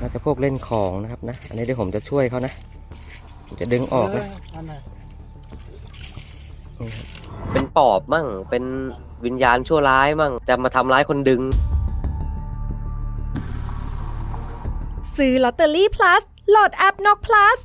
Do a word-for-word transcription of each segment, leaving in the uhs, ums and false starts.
าจะพวกเล่นของนะครับนะอันนี้เดี๋ยวผมจะช่วยเขานะผมจะดึงออกนะเป็นปอบมั่งเป็นวิญญาณชั่วร้ายมั่งจะมาทำร้ายคนดึงซื้อลอตเตอรี่ plus โหลดแอปนก plus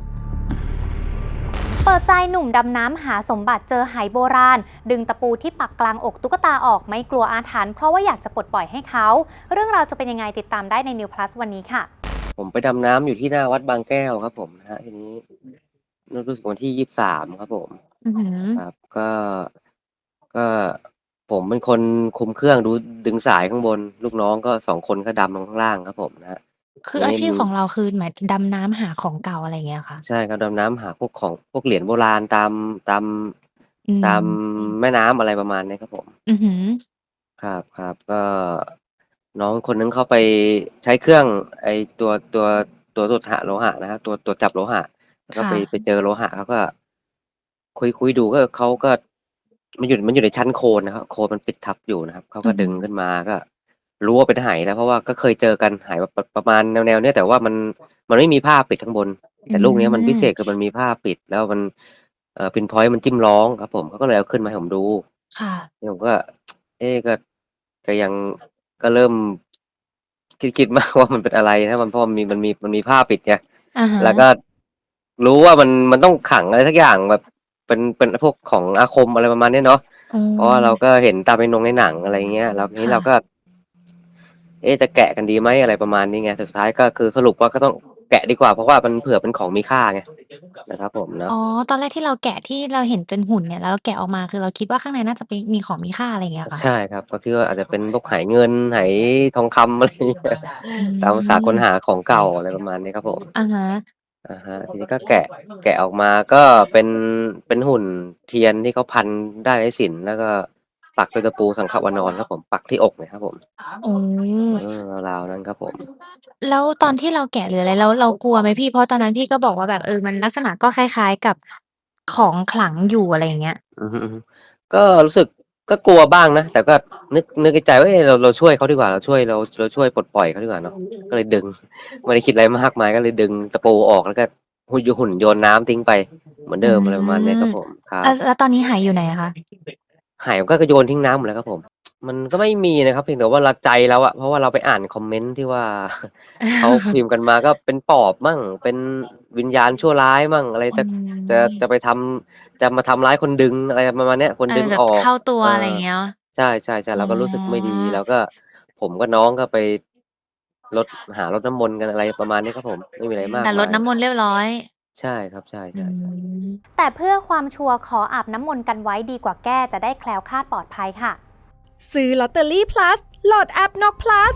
เปิดใจหนุ่มดำน้ำหาสมบัติเจอไหโบราณดึงตะปูที่ปักกลางอกตุ๊กตาออกไม่กลัวอาถรรพ์เพราะว่าอยากจะปลดปล่อยให้เขาเรื่องราวจะเป็นยังไงติดตามได้ใน New Plus วันนี้ค่ะผมไปดำน้ำอยู่ที่หน้าวัดบางแก้วครับผมนะฮะทีนี้รู้สึกวันที่ยี่สิบสามครับผมครับก็ก็ผมเป็นคนคุมเครื่องดูดึงสายข้างบนลูกน้องก็สองคนก็ดำลงข้างล่างครับผมนะฮะคืออาชีพของเราคือหมายดำน้ำหาของเก่าอะไรอย่างเงี้ยค่ะใช่ครับดำน้ำหาพวกของพวกเหรียญโบราณตามตามอืตามมแม่น้ำอะไรประมาณนี้ครับผมอือหือครับครับก็น้องคนนึงเขาไปใช้เครื่องไอตัวตัวตัวตรวจหาโลหะนะฮะตัวตัวจับโลหะแล้วก็ค่ะไปไปเจอโลหะเขาก็ คุยคุยดูก็เขาก็มันอยู่มันอยู่ในชั้นโคลนนะครับโคลนมันปิดทับอยู่นะครับเขาก็อือหือดึงขึ้นมาก็รู้ว่าเป็นไหแล้วเพราะว่าก็เคยเจอกันไหแบบประประมาณแนวๆเนี้ยแต่ว่ามันมันไม่มีผ้าปิดข้างบนอืแต่ลูกเนี้ยมันพิเศษคือมมันมีผ้าปิดแล้วมันเอ่อ pinpoint มันจิ้มร้องครับผมเขาก็เลยเอาขึ้นมาให้ผมดูค่ะนี่ผมก็เอ๊ะก็ก็ยังก็เริ่มคิดคิดมากว่ามันเป็นอะไรนะมันเพราะมันมีมันมีมันมีผ้าปิดไงอะฮะแล้วก็รู้ว่ามันมันต้องขังอะไรสักอย่างแบบเป็นเป็นพวกของอาคมอะไรประมาณนี้เนาะอืเพราะว่าเราก็มเห็นตามในนงในหนังอะไรเงี้ยแล้วทีนี้ค่ะเราก็ เอ๊ะจะแกะกันดีไหมอะไรประมาณนี้ไงสุดท้ายก็คือสรุปว่าก็ต้องแกะดีกว่าเพราะว่ามันเผื่อเป็นของมีค่าไงนะครับผมเนาะอ๋อตอนแรกที่เราแกะที่เราเห็นเป็นหุ่นเนี่ยแล้วเราแกะออกมาคือเราคิดว่าข้างในน่าจะเป็นมีของมีค่าอะไรอย่างเงี้ยเหรอคะใช่ครับก็คิดว่าอาจจะเป็นพวกไหเงินไหทองคำอะไรอย่างเงี้ยอืตามภาษาค้นหามของเก่าอะไรประมาณนี้ครับผมอะฮะอะฮะทีนี้ก็แกะแกะออกมาก็เป็นเป็นหุ่นเทียนที่เขาพันด้ายไร้ศิลป์แล้วก็ปักด้วยตะปูสังขวานรครับผมปักที่อกเลยครับผมอ๋อเออราวๆนั้นครับผมแล้วตครับอนที่เราแกะหรืออะไรแล้วเรากลัวไหมพี่เพราะตอนนั้นพี่ก็บอกว่าแบบเออมันลักษณะก็คล้ายๆกับของขลังอยู่อะไรอย่างเงี้ยอือฮึๆก็รู้สึกก็กลัวบ้างนะแต่ก็นึกนึกในใจว่าเอ๊ะเราเราช่วยเขาดีกว่าเราช่วยเราเราช่วยปลดปล่อยเขาดีกว่าเนาะก็เลยดึงไม่ได้คิดอะไรมากมายก็เลยดึงตะปูออกแล้วก็หุ่นหุ่นโยนน้ำทิ้งไปเหมือนอืเดิมอะไรประมาณเนี้ยคมรับผมครับแล้วแล้วตอนนี้หายอยู่ไหนอะคะหายก็โยนทิ้งน้ำหมดแล้วครับผมมันก็ไม่มีนะครับเพียงแต่ว่าเราใจเราอะเพราะว่าเราไปอ่านคอมเมนต์ที่ว่าเขาพิมพ์กันมาก็เป็นปอบมั่งเป็นวิญญาณชั่วร้ายมั่งอะไรอืจะจะจะไปมทำจะมาทำร้ายคนดึงอะไรประมาณเนี้ยคนเออแบบดึงออกเข้าตัวเอออะไรอย่างเงี้ยเนาะใช่ๆๆอ๋เราก็รู้สึกไม่อดีแล้วก็ผมกับน้องก็ไปรดหารดน้ำมนต์กันอะไรประมาณนี้ครับผมไม่มีอะไรมากแต่รดมายน้ำมนต์เรียบร้อยใช่ครับใชอื่ๆๆมแต่เพื่อความชัวร์ขออาบน้ำมนต์กันไว้ดีกว่าแก้จะได้แคล้วคลาดปลอดภัยค่ะซื้อลอตเตอรี่ plus โหลดแอปนก plus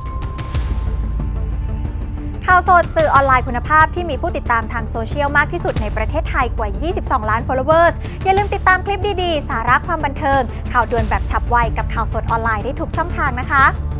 ข่าวสดสื่อออนไลน์คุณภาพที่มีผู้ติดตามทางโซเชียลมากที่สุดในประเทศไทยกว่า ยี่สิบสอง ล้าน followers อย่าลืมติดตามคลิปดีๆ สาระความบันเทิง ข่าวด่วนแบบฉับไวกับข่าวสดออนไลน์ได้ทุกช่องทางนะคะ